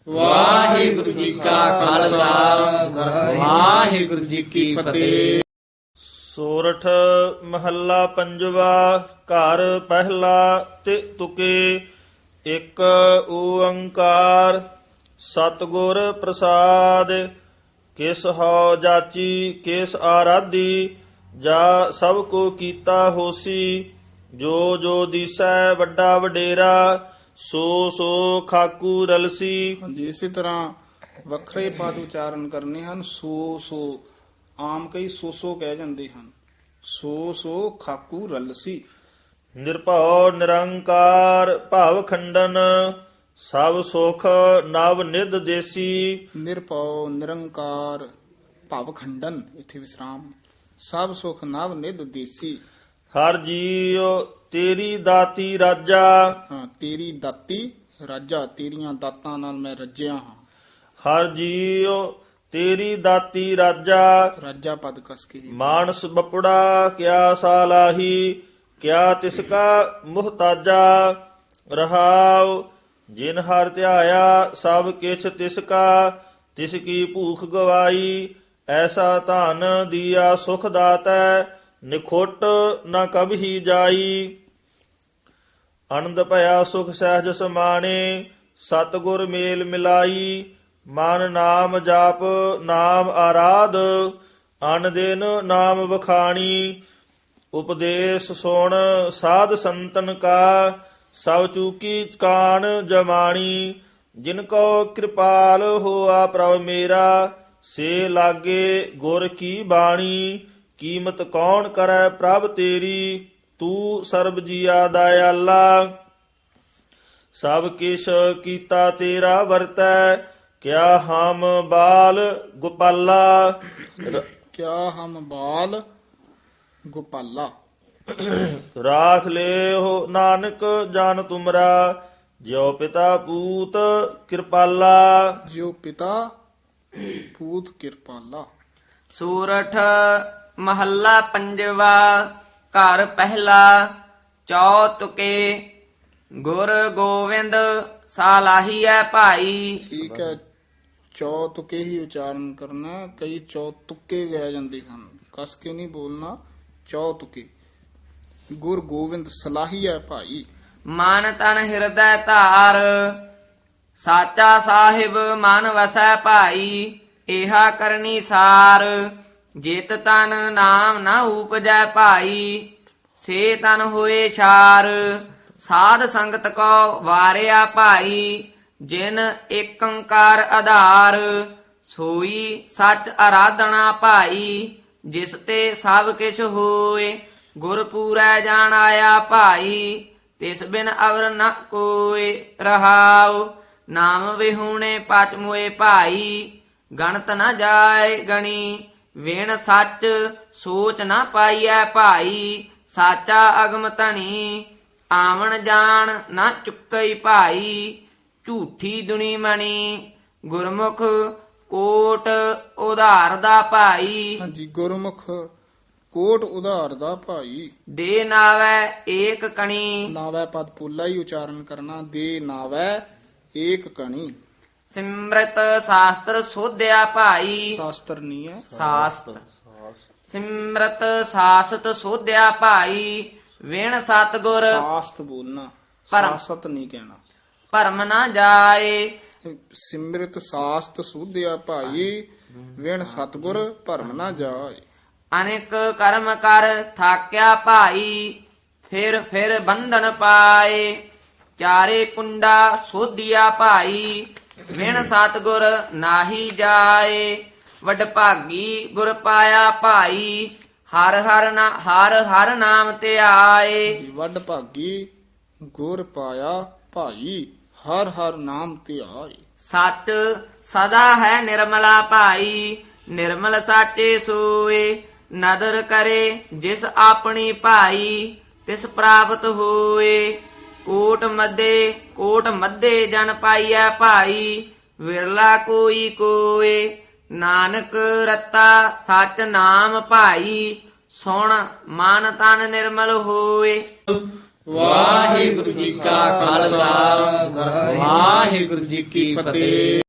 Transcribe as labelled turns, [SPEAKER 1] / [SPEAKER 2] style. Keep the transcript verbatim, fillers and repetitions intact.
[SPEAKER 1] ਵਾਹਿਗੁਰੂ ਜੀ ਕਾ ਖਾਲਸਾ ਵਾਹਿਗੁਰੂ ਜੀ ਕੀ ਫਤਿਹ।
[SPEAKER 2] ਸੋਰਠ ਮਹੱਲਾ ਪੰਜਵਾ। ਘਰ ਪਹਿਲਾ ਤੇ ਤੁਕੇ। ਇੱਕ ਓੰਕਾਰ ਸਤਿਗੁਰ ਪ੍ਰਸਾਦ। ਕਿਸ ਹਉ ਜਾਚੀ ਕਿਸ ਆਰਾਧੀ, ਜਾ ਸਭ ਕੋ ਕੀਤਾ ਹੋਸੀ। ਜੋ ਜੋ ਦੀਸੈ ਵੱਡਾ ਵਡੇਰਾ, ਸੋ ਸੋ ਖਾਕੂ ਰਲਸੀ।
[SPEAKER 1] ਹਾਂਜੀ, ਇਸੇ ਤਰ੍ਹਾਂ ਵੱਖਰੇ ਪਦ ਉਚਾਰਨ ਕਰਨੇ ਹਨ। ਸੋ ਸੋ ਆਮ ਕਈ ਸੋ ਸੋ ਕਹਿ ਜਾਂਦੇ ਹਨ। ਸੋ ਸੋ ਖਾਕੂ ਰਲਸੀ।
[SPEAKER 2] ਨਿਰਭਉ ਨਿਰੰਕਾਰ ਭਵ ਖੰਡਨ, ਸਭ ਸੁਖ ਨਵ ਨਿਧ ਦੇਸੀ।
[SPEAKER 1] ਨਿਰਭਉ ਨਿਰੰਕਾਰ ਭਵ ਖੰਡਨ, ਇਥੇ ਵਿਸਰਾਮ। ਸਭ ਸੁਖ ਨਵ ਨਿਧ ਦੇਸੀ।
[SPEAKER 2] ਹਰ ਜੀਉ ਤੇਰੀ ਦਾਤੀ ਰਾਜਾ,
[SPEAKER 1] ਹਾਂ, ਤੇਰੀ ਦਾਤੀ ਰਾਜਾ, ਤੇਰੀਆਂ ਦਾਤਾਂ ਨਾਲ ਮੈਂ ਰੱਜਿਆ ਹਾਂ।
[SPEAKER 2] ਹਰ ਜੀਉ ਤੇਰੀ ਦਾਤੀ ਰਾਜਾ।
[SPEAKER 1] ਰਾਜਾ ਪਦ ਕਸ ਕੇ।
[SPEAKER 2] ਮਾਨਸ ਬਪੜਾ ਕਿਆ ਸਾਲਾਹੀ, ਕਿਆ ਤਿਸ ਕਾ ਮੁਹਤਾਜਾ। ਰਹਾਉ ਜਿਨ ਹਰ ਧਿਆਇਆ, ਸਭ ਕਿਛ ਤਿਸ ਕਾ, ਤਿਸ ਕੀ ਭੂਖ ਗਵਾਈ। ਐਸਾ ਧਨ ਦੀਆ ਸੁਖ ਦਾਤੈ, ਨਿਖੁੱਟ ਨ ਕਬਹੀ ਜਾਈ। ਆਨੰਦ ਭਇਆ ਸੁਖ ਸਹਿਜ ਸਮਾਣੇ, ਸਤਿਗੁਰ ਮੇਲ ਮਿਲਾਈ। ਮਨ ਨਾਮ ਜਾਪ ਨਾਮ ਆਰਾਧ, ਅਨ ਦਿਨ ਨਾਮ ਵਖਾਣੀ। ਉਪਦੇਸ਼ ਸੁਣ ਸਾਧ ਸੰਤਨ ਕਾ, ਸਭ ਚੂਕੀ ਕਾਣ ਜਮਾਣੀ। ਜਿਨ ਕੋ ਕਿਰਪਾਲ ਹੋਆ ਪ੍ਰਭ ਮੇਰਾ, ਸੇ ਲਾਗੇ ਗੁਰ ਕੀ ਬਾਣੀ। ਕੀਮਤ ਕੌਣ ਕਰੈ ਪ੍ਰਭ ਤੇਰੀ, ਤੂੰ ਸਰਬ ਜੀਆ ਦਇਆਲਾ। ਸਭ ਕਿਛ ਕੀਤਾ ਤੇਰਾ ਵਰਤੈ, ਕਿਆ ਹਮ ਬਾਲ ਗੋਪਾਲਾ। ਰ-
[SPEAKER 1] ਕਿਆ ਹਮ ਬਾਲ ਗੋਪਾਲਾ।
[SPEAKER 2] ਰਾਖ ਲਿਓ ਨਾਨਕ ਜਨ ਤੁਮਰਾ, ਜਿਉ ਪਿਤਾ ਪੂਤ ਕਿਰਪਾਲਾ।
[SPEAKER 1] ਜਿਉ ਪਿਤਾ ਪੂਤ ਕਿਰਪਾਲਾ।
[SPEAKER 3] ਸੂਰਠ ਮਹੱਲਾ ਪੰਜਵਾ। ਘਰ ਪਹਿਲਾ ਚੌਤੁਕੇ। ਗੁਰ ਗੋਵਿੰਦ ਸਾਲਾਹੀਐ ਭਾਈ।
[SPEAKER 1] ਠੀਕ ਹੈ, ਚੌ ਤੁਕੇ ਹੀ ਉਚਾਰਨ ਕਰਨਾ। ਕਈ ਚੌ ਤੁਕੇ ਗਏ ਜਾਂਦੇ ਹਨ, ਕਸ ਕੇ ਨਹੀਂ ਬੋਲਣਾ। ਚੌ ਤੁਕੇ। ਗੁਰ ਗੋਬਿੰਦ ਸਲਾਹੀ ਹੈ ਭਾਈ।
[SPEAKER 3] ਮਨ ਤਨ ਹਿਰਦੈ ਧਾਰ, ਸਾਚਾ ਸਾਹਿਬ ਮਨ ਵਸੈ ਭਾਈ। ਏਹਾ ਕਰਨੀ ਸਾਰ, ਜਿਤ ਤਨ ਨਾਮ ਨਾ ਉਪਜੈ ਭਾਈ। ਸੇ ਤਨ ਹੋਏ ਛਾਰ, ਸਾਧ ਸੰਗਤ ਕੋ ਵਾਰਿਆ ਭਾਈ। ਜਿਨ ਏਕੰਕਾਰ ਆਧਾਰ, ਸੋਈ ਸੱਚ ਆਰਾਧਨਾ ਭਾਈ। ਜਿਸ ਤੇ ਸਭ ਕਿਛ ਹੋਏ, ਗੁਰ ਪੂਰੈ ਜਾਣ ਆਇਆ ਭਾਈ। ਤਿਸ ਬਿਨ ਅਵਰ ਨ ਕੋਇ ਰਹਾਉ, ਨਾਮ ਵਿਹੂਣੇ ਪਚ ਮੋਏ ਭਾਈ। ਗਣਤ ਨ ਜਾਏ ਗਣੀ, ਵਿਣ ਸੱਚ ਸੋਚ ਨ ਪਾਈਐ ਭਾਈ। ਸਾਚਾ ਅਗਮ ਧਨੀ, ਆਵਣ ਜਾਣ ਨ ਚੁੱਕਈ ਭਾਈ। ਝੂਠੀ ਦੁਨੀ ਮਣੀ, ਗੁਰਮੁਖ ਕੋਟ ਉਧਾਰ ਦਾ ਭਾਈ।
[SPEAKER 1] ਹਾਂਜੀ, ਗੁਰਮੁਖ ਕੋਟ ਉਧਾਰ ਦਾ ਭਾਈ।
[SPEAKER 3] ਦੇ ਨਾਵੈ ਏਕ ਕਣੀ,
[SPEAKER 1] ਨਾਵੈ ਪਦ ਪੋਲਾ ਹੀ ਉਚਾਰਨ ਕਰਨਾ। ਦੇ ਨਾਵੈ ਏਕ ਕਣੀ।
[SPEAKER 3] ਸਿਮਰਤ ਸ਼ਾਸਤਰ ਸੋਧਿਆ ਭਾਈ।
[SPEAKER 1] ਸ਼ਾਸਤਰ ਨਹੀਂ ਹੈ,
[SPEAKER 3] ਸਾਸਤ ਸਿਮਰਤ ਸਾਸਤ ਸੋਧਿਆ ਭਾਈ। ਵਿਣ ਸਤਗੁਰ
[SPEAKER 1] ਸਾਸਤ ਬੋਲਣਾ,
[SPEAKER 3] ਭਰਮ।
[SPEAKER 1] ਸਾਸਤ ਨਹੀਂ ਕਹਿਣਾ।
[SPEAKER 3] ਭਰਮ ਨਾ ਜਾਏ,
[SPEAKER 1] ਸਿਮਰਿਤ ਸਾਸਤ ਸੁਧਿਆ ਭਾਈ। ਵਿਣ ਸਤਗੁਰ ਭਰਮ ਨਾ ਜਾਏ।
[SPEAKER 3] ਅਨੇਕ ਕਰਮ ਕਰ ਥਾਕਿਆ ਭਾਈ। ਫਿਰ ਫਿਰ ਬੰਧਨ ਪਾਏ, ਚਾਰੇ ਕੁੰਡਾ ਸੋਧਿਆ ਭਾਈ। ਵਿਣ ਸਤਗੁਰ ਨਾਹੀ ਜਾਏ, ਵਡ ਭਾਗੀ ਗੁਰ ਪਾਇਆ ਭਾਈ। ਹਰ ਹਰ ਨਾ ਹਰ ਹਰ ਨਾਮ ਧਿਆਏ।
[SPEAKER 1] ਵੱਡ ਭਾਗੀ ਗੁਰ ਪਾਇਆ ਭਾਈ। ਹਰ ਹਰ ਨਾਮ ਧਿਆਏ।
[SPEAKER 3] ਸੱਚ ਸਦਾ ਹੈ ਨਿਰਮਲਾ ਭਾਈ। ਨਿਰਮਲ ਸਾਚੇ ਸੋਏ, ਨਦਰ ਕਰੇ ਜਿਸ ਆਪਣੀ ਭਾਈ। ਤਿਸ ਪ੍ਰਾਪਤ ਹੋਏ, ਕੋਟ ਮੱਦੇ ਕੋਟ ਮੱਦੇ ਜਨ ਪਾਈਐ ਭਾਈ। ਵਿਰਲਾ ਕੋਈ ਕੋਏ, ਨਾਨਕ ਰਤਾ ਸਚ ਨਾਮ ਭਾਈ। ਸੁਣ ਮਨ ਤਨ ਨਿਰਮਲ ਹੋਏ।
[SPEAKER 1] ਵਾਹਿਗੁਰੂ ਜੀ ਕਾ ਖਾਲਸਾ ਵਾਹਿਗੁਰੂ ਜੀ ਕੀ ਫਤਿਹ।